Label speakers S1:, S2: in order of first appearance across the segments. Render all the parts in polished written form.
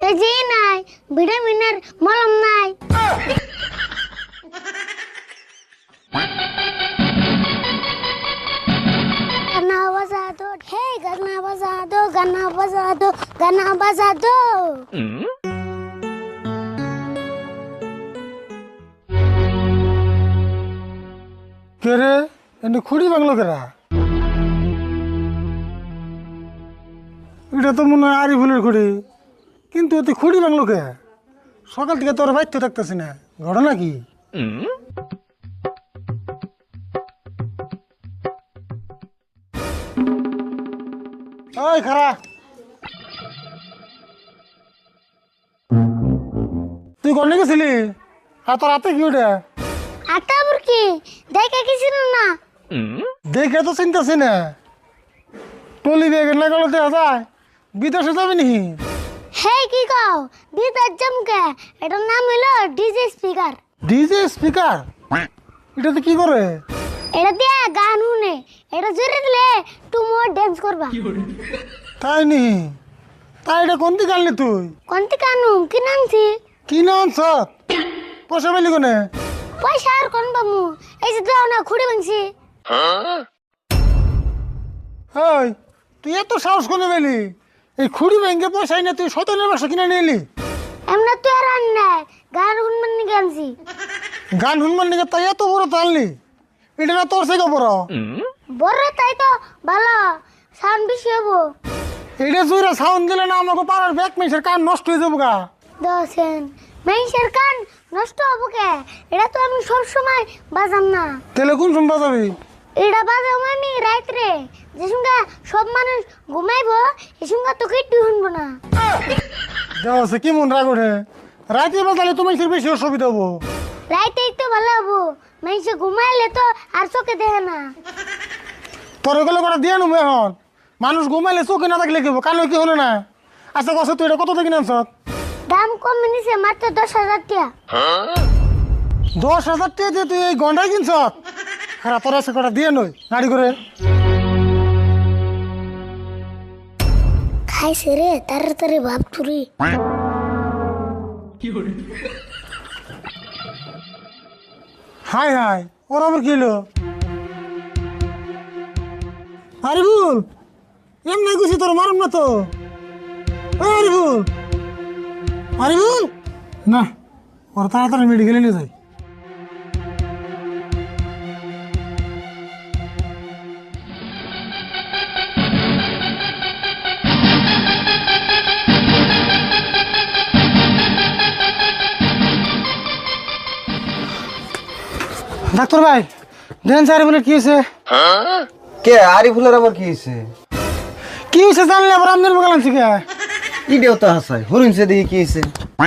S1: যে নাই ভিটামিনের মলম নাই। গানা বাজা দো হে গানা বাজা দো গানা বাজা দো গানা বাজা দো।
S2: কে রে এনে খুঁড়ি বাংলো কেরা? এটা তো মনে হয় আরিফুলের খুঁড়ি, কিন্তু তুই খুঁড়ি বাংলো কে? সকাল থেকে তোর বাইতে থাকতেছি না, ঘটনা কি? ওই খারা, তুই কোনে গেছিলি? আর তোর হাতে কি ওটা?
S1: আটা বুরকি দেখে কিছু না।
S2: দেখে তো চিন্তাছি না, টলি ব্যাগের না গেলে দেখা যায় বিদেশে যাবি নি?
S1: হে কি কও বিদার জমকে, এটার নাম হলো ডিজে স্পিকার।
S2: DJ speaker? এটাতে কি করে?
S1: এটা দিয়ে গান শুনে, এটা জোরে দিলে তুমি ডান্স করবা।
S2: তাই নি? তাই এটা কোন দিকে আনলি তুই?
S1: কোনটি কানু কি নামছি?
S2: কি না আনছ? পয়সা পেলি কোনে?
S1: পয়সা আর কোন বামু, এই যে দাও না খুঁড়ে ভাঙছি।
S2: ওই তুই এত সাহস করে পেলি? এই খুঁড়ি ব্যাংকে পয়সা না তুই শয়তানের বাসা কিনে নিয়ে এলি?
S1: এমনা তো আর আন নাই, গান শুনবেন নি গানছি।
S2: গান শুনবার নিকে তাই এত বড় তো আনলি? এটা না তোর থেকে বড়?
S1: বড় তাই তো ভালো, সাউন্ড বেশি হবো।
S2: এটা জুইরা সাউন্ড দিলে না আমাকে পাড়ার ব্যাক মেসের কান নষ্ট হয়ে যাবো গা।
S1: দশেন মেইসের কান নষ্ট হবো কে? এটা তো আমি সব সময় বাজাম না।
S2: তাহলে কোন শুনবা যাবি?
S1: এটা বাজাম আমি রাত্রে, যে সঙ্গে সব মানুষ ঘুমাইবো এ সঙ্গে তো কেটে শুনবো না।
S2: দেওয়া আছে কি মন রাগ ওঠে? রাতে বাজালে তোমার বেশি অসুবিধা হবো।
S1: রাইতেই তো ভালো হবো, মেইসে ঘুমাইলে তো আর চোখে দেখে না।
S2: তোর এগুলো করে দিয়ে নেবো এখন। মানুষ ঘুমাইলে চোখে না থাকলে কি কানে কি হলো না? আচ্ছা কষ্ট তুই এটা কত থেকে আনছ?
S1: দাম কম নিছে মাত্র 10,000 টাকা।
S2: 10,000 টাকা দিয়ে তুই এই গন্ডাই কিনছ? খারাপ তোর আছে কটা দিয়ে নই গাড়ি করে।
S1: খাইছে রে তাড়াতাড়ি ভাব তুরি।
S2: হাই হাই ওর আবার কি হলো? আরিফুল এমনি গুছি তোর মারুম না তো। আরিফুল আরিফুল না, ওর তাড়াতাড়ি মেডিকেলে নিয়ে যাই। ডাক্তার ভাই দেন আরিফুলের কি হয়েছে?
S3: কে আরিফুলের আবার কি হয়েছে?
S2: কি হয়েছে জানলে আবার আমদের বগাল আনছি কে?
S3: ইডিও তো হাসাই হরিণছে দেখি কি হয়েছে।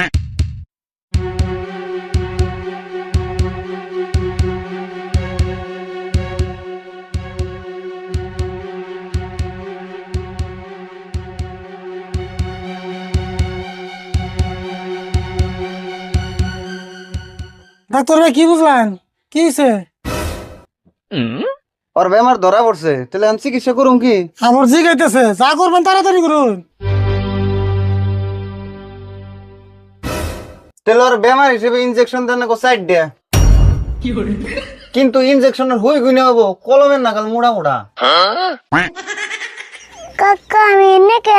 S2: ডাক্তার ভাই কি বুঝলেন কি হয়েছে?
S3: ওর বেমার ধরা পড়ছে, তাহলে আমি চিকিৎসা করুম কি?
S2: আমার জি গাইতেছে, যা করবেন তাড়াতাড়ি করুন।
S3: তাহলে ওর বেমার হিসেবে ইনজেকশন দেন না সাইড দেয়া, কিন্তু ইনজেকশনের হই গুনে হবো কলমের নাগাল মোড়া মোড়া।
S1: কাকা আমি এনে কে?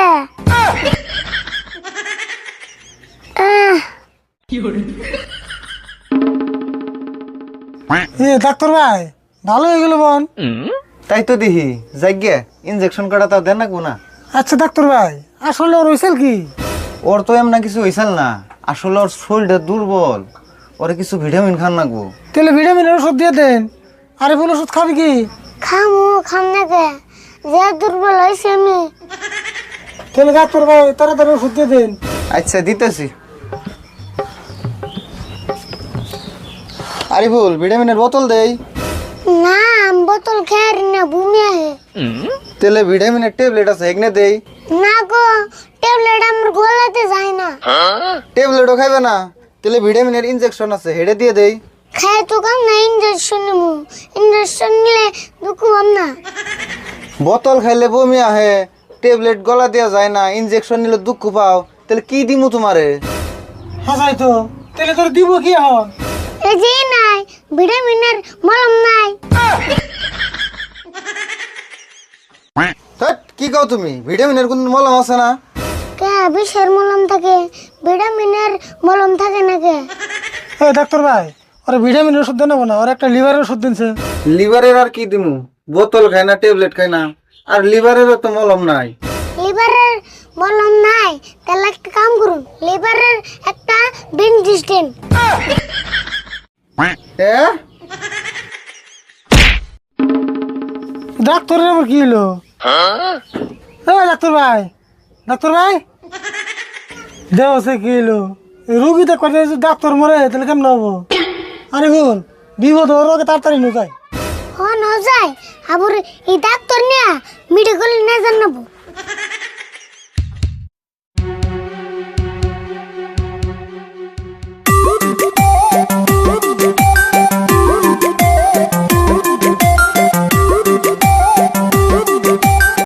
S2: এ ডাক্তার ভাই ভালো হয়ে গেল বোন।
S3: তাই তো দেখি যাইগে ইনজেকশন কাটা তাও দেন না।
S2: আচ্ছা ডাক্তার ভাই আসলে ওর হয়েছিল কি?
S3: ওর তো এমন কিছু হয়েছিল না, আসলে ওর শরীরটা দুর্বল, ওরে কিছু ভিটামিন খান লাগবো।
S2: তাহলে ভিটামিনের ওষুধ দিয়ে দেন। আরিফুল ওষুধ খাবি কি?
S1: খাম না কে, যে দুর্বল হয়েছে আমি।
S2: তাহলে ডাক্তার ভাই তাড়াতাড়ি ওষুধ দিয়ে দেন।
S3: আচ্ছা দিতেছি। আরিফুল ভিটামিনের বোতল দেই
S1: না, বোতল খেয়ার না বমি আহে।
S3: তাহলে ভিটামিনের ট্যাবলেট আছে এগনে দেই।
S1: না গো, ট্যাবলেট আমার গলাতে যায় না।
S3: ট্যাবলেটও খাইবে না? তাহলে ভিটামিনের ইনজেকশন আছে হেডে দিয়ে দেই।
S1: খায় তো কাম না, ইঞ্জেকশন নিবো। ইঞ্জেকশন নিলে দুঃখ পাম না।
S3: বোতল খাইলে বমি আহে, ট্যাবলেট গলা দেওয়া যায় না, ইনজেকশন নিলে দুঃখ পাও, তাহলে কি দিমু তোমারে?
S2: হাসাই তো তাহলে তোর দিব কি এখন?
S1: এই যে নাই ভিটামিনের মলম নাই।
S3: ধ্যাৎ, কি কও তুমি? ভিটামিনের কোন মলম আছে না?
S1: কে বিষের মলম থাকে, ভিটামিনের মলম থাকে না কে?
S2: এই ডাক্তার ভাই, ওরা ভিটামিনের ওষুধ দেন না, ওর একটা লিভারের ওষুধ দিনছে।
S3: লিভারের আর কি দিমু? বোতল খাই না, ট্যাবলেট খাই না, আর লিভারেরও তো মলম নাই।
S1: লিভারের মলম নাই, তাহলে একটা কাম করুন, লিভারের একটা বেনজিস্টেন।
S3: হ্যাঁ,
S2: ডাক্তারের আবার কি হলো? এই ডাক্তার ভাই, ডাক্তার ভাই, দেওয়া সে কি হলো? এই রুগীতে কথা ডাক্তার মরে তাহলে কেমন হবো? আরে ভুল বিপদ ওর আগে তাড়াতাড়ি নুকাই।
S1: হন যায় আবার এই ডাক্তার নিয়ে মেডিকেল না জানাবো।